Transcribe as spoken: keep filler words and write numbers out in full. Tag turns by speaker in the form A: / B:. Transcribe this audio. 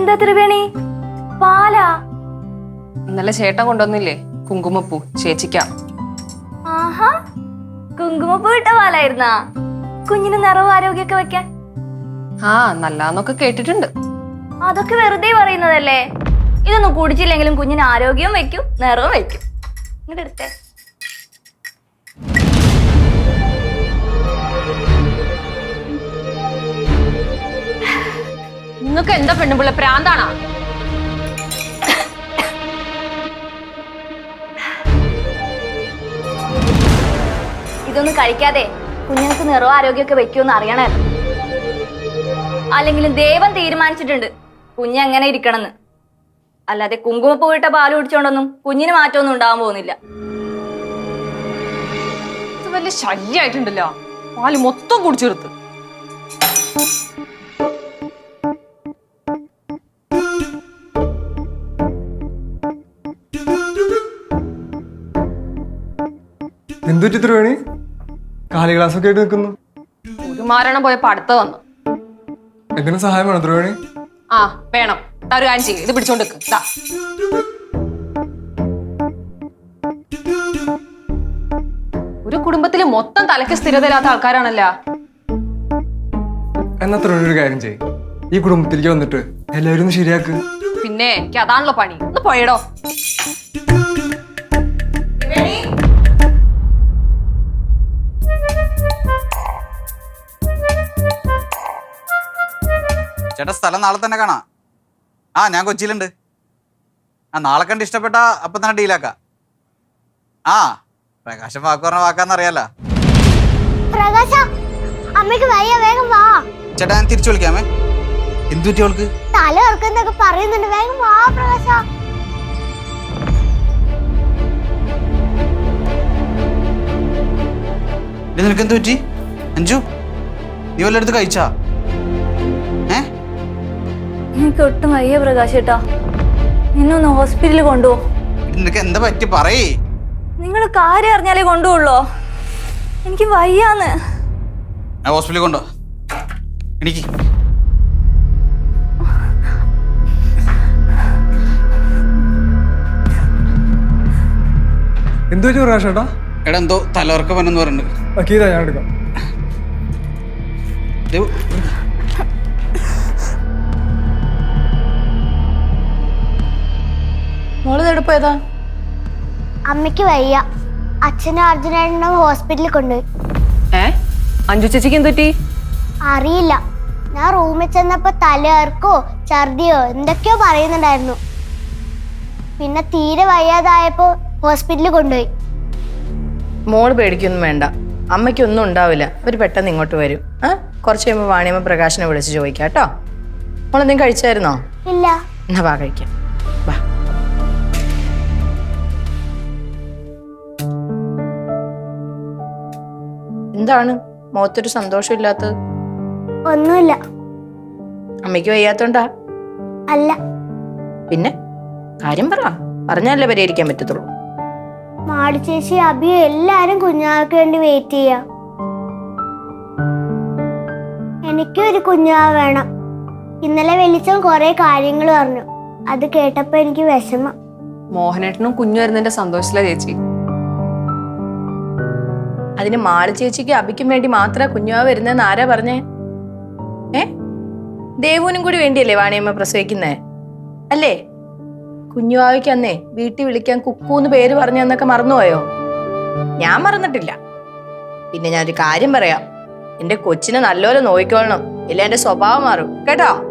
A: എന്താ ത്രിവേണി? പാലാ?
B: ഇന്നലെ ചേട്ടൻ കൊണ്ടുവന്നില്ലേ കുങ്കുമപ്പൂ ചേച്ചിക്കാം.
A: ആഹാ, കുങ്കുമപ്പൂ ഇട്ട പാലായിരുന്നാ? കുഞ്ഞിന് നിറവും ആരോഗ്യമൊക്കെ വെക്കാൻ.
B: ആ നല്ലാന്നൊക്കെ കേട്ടിട്ടുണ്ട്.
A: അതൊക്കെ വെറുതെ പറയുന്നതല്ലേ. ഇതൊന്നും കുടിച്ചില്ലെങ്കിലും കുഞ്ഞിന് ആരോഗ്യവും വെക്കും നിറവും വെക്കും. ഇങ്ങോട്ട് എടുത്തേ.
B: നിങ്ങൾക്ക് എന്താ പെണ്ണുപിള്ള പ്രാന്താണോ?
A: ഇതൊന്നും കഴിക്കാതെ കുഞ്ഞുങ്ങൾക്ക് നിറവും ആരോഗ്യമൊക്കെ വെക്കുമെന്ന് അറിയണേ. അല്ലെങ്കിലും ദൈവം തീരുമാനിച്ചിട്ടുണ്ട് കുഞ്ഞ് എങ്ങനെ ഇരിക്കണമെന്ന്. അല്ലാതെ കുങ്കുമപ്പൂ ഇട്ട പാല് കുടിച്ചോണ്ടൊന്നും കുഞ്ഞിന് മാറ്റമൊന്നും ഉണ്ടാവാൻ പോകുന്നില്ല.
B: ഇത് വലിയ ശല്യായിട്ടുണ്ടല്ലോ. പാല് മൊത്തം കുടിച്ചെടുത്ത്.
C: എന്തുറ്റി ത്രിവേണി? കാലി ഗ്ലാസ് ഒക്കെ ആയിട്ട് നിൽക്കുന്നു.
B: ഒരു മാരണം പോയപ്പോ അടുത്ത വന്നു.
C: എന്തിനും സഹായം വേണം ത്രിവേണി?
B: ആ വേണം. ഒരു കാര്യം ചെയ്യും, ഇത് പിടിച്ചോണ്ട് നിൽക്ക്. ഒരു കുടുംബത്തില് മൊത്തം തലയ്ക്ക് സ്ഥിരതയില്ലാത്ത ആൾക്കാരാണല്ലോ.
C: എന്നാ ത്രിവേണി ഒരു കാര്യം ചെയ്യും, ഈ കുടുംബത്തിലേക്ക് വന്നിട്ട് എല്ലാവരും ഒന്ന് ശരിയാക്ക്.
B: പിന്നെ എനിക്ക് അതാണല്ലോ പണി. ഒന്ന് പോയടോ.
D: ചേട്ടാ സ്ഥലം നാളെ തന്നെ കാണാം. ആ ഞാൻ കൊച്ചിയിലുണ്ട്. ആ നാളെ കണ്ട് ഇഷ്ടപ്പെട്ട അപ്പൊ തന്നെ ഡീലാക്കാം. ആ പ്രകാശം വാക്ക് പറഞ്ഞ വാക്കാന്നറിയാലോ. ചേട്ടാ ഞാൻ തിരിച്ചു വിളിക്കാമേ. എന്തു പറ്റി അവൾക്ക്?
E: തല ഓർക്കുന്നൊക്കെ പറയുന്നുണ്ട്. വേഗം വാ പ്രകാശ.
D: നിനക്ക് എന്ത് പറ്റി അഞ്ജു? നീ വല്ല എടുത്ത് കഴിച്ചാ? ഏ
A: എനിക്ക് ഒട്ടും വയ്യ പ്രകാശേട്ടാ. നിന്നൊന്ന് ഹോസ്പിറ്റലിൽ കൊണ്ടുപോ.
D: നിനക്ക് എന്താ പറ്റി പറയേ.
A: നിങ്ങൾ കാര്യം അറിഞ്ഞാലേ കൊണ്ടുപോള്ളോ. എനിക്ക് വയ്യാന്ന്.
D: ഹോസ്പിറ്റലിൽ കൊണ്ടോ. എനിക്ക്
C: എന്തു പറ്റി പ്രകാശേട്ടാ?
D: എടാ എന്തോ തലവർക്കം വന്നെന്ന് പറയുന്നുണ്ട്.
C: കീതാ ഞാൻ എടുക്കാം.
B: മോള് എടുപ്പോ ഏതാ?
E: അമ്മയ്ക്ക് വയ്യ. അച്ഛനും അർജുനേട്ടനും ഹോസ്പിറ്റലിൽ കൊണ്ടുപോയി.
B: ഏ അഞ്ജു ചേച്ചിക്ക് എന്തുപറ്റി?
E: അറിയില്ല. ഞാൻ റൂമിൽ ചെന്നപ്പോ തലകർക്കോ ഛർദിയോ എന്തൊക്കെയോ പറയുന്നുണ്ടായിരുന്നു. പിന്നെ തീരെ വയ്യാതായപ്പോ ഹോസ്പിറ്റലിൽ കൊണ്ടുപോയി.
F: മോള് പേടിക്കൊന്നും വേണ്ട, അമ്മയ്ക്കൊന്നും ഉണ്ടാവില്ല. അവർ പെട്ടെന്ന് ഇങ്ങോട്ട് വരും. ആ കുറച്ച് കഴിയുമ്പോൾ വാണിയമ്മ പ്രകാശനെ വിളിച്ച് ചോദിക്കാം കേട്ടോ. മോളെന്തെങ്കിലും കഴിച്ചായിരുന്നോ?
E: ഇല്ല.
F: എന്നാ വാ കഴിക്കാം. വാ. എന്താണ് മുഖത്തൊരു സന്തോഷമില്ലാത്തത്?
E: ഒന്നുമില്ല.
F: അമ്മയ്ക്ക് വയ്യാത്തോണ്ടാ?
E: അല്ല.
F: പിന്നെ കാര്യം പറ, പറഞ്ഞാലേ പരിഹരിക്കാൻ പറ്റത്തുള്ളൂ.
E: മാളി ചേച്ചി അബിയോ എല്ലാരും കുഞ്ഞാവയ്ക്ക് വേണ്ടി വെയിറ്റ് ചെയ്യാ. എനിക്കൊരു കുഞ്ഞാവ വേണം. ഇന്നലെ വെളിച്ചം കുറെ കാര്യങ്ങൾ പറഞ്ഞു. അത് കേട്ടപ്പോ എനിക്ക് വിഷമം.
B: മോഹനേട്ടനും കുഞ്ഞു വരുന്നതിന്റെ സന്തോഷത്തിലാ ചേച്ചി.
F: അതിന് മാളി ചേച്ചിക്ക് അബിക്കും വേണ്ടി മാത്രം കുഞ്ഞുവാ വരുന്നതെന്ന് ആരാ പറഞ്ഞേ? ഏ ദേവുവിനും കൂടി വേണ്ടിയല്ലേ വാണിയമ്മ പ്രസവിക്കുന്നേ അല്ലേ? കുഞ്ഞുവാവയ്ക്ക് അന്നേ വീട്ടിൽ വിളിക്കാൻ കുക്കൂന്ന് പേര് പറഞ്ഞു എന്നൊക്കെ മറന്നുപോയോ? ഞാൻ മറന്നിട്ടില്ല. പിന്നെ ഞാനൊരു കാര്യം പറയാം, എന്റെ കൊച്ചിനെ നല്ലോലെ നോക്കിക്കോളണം, ഇല്ല എന്റെ സ്വഭാവം മാറും കേട്ടോ.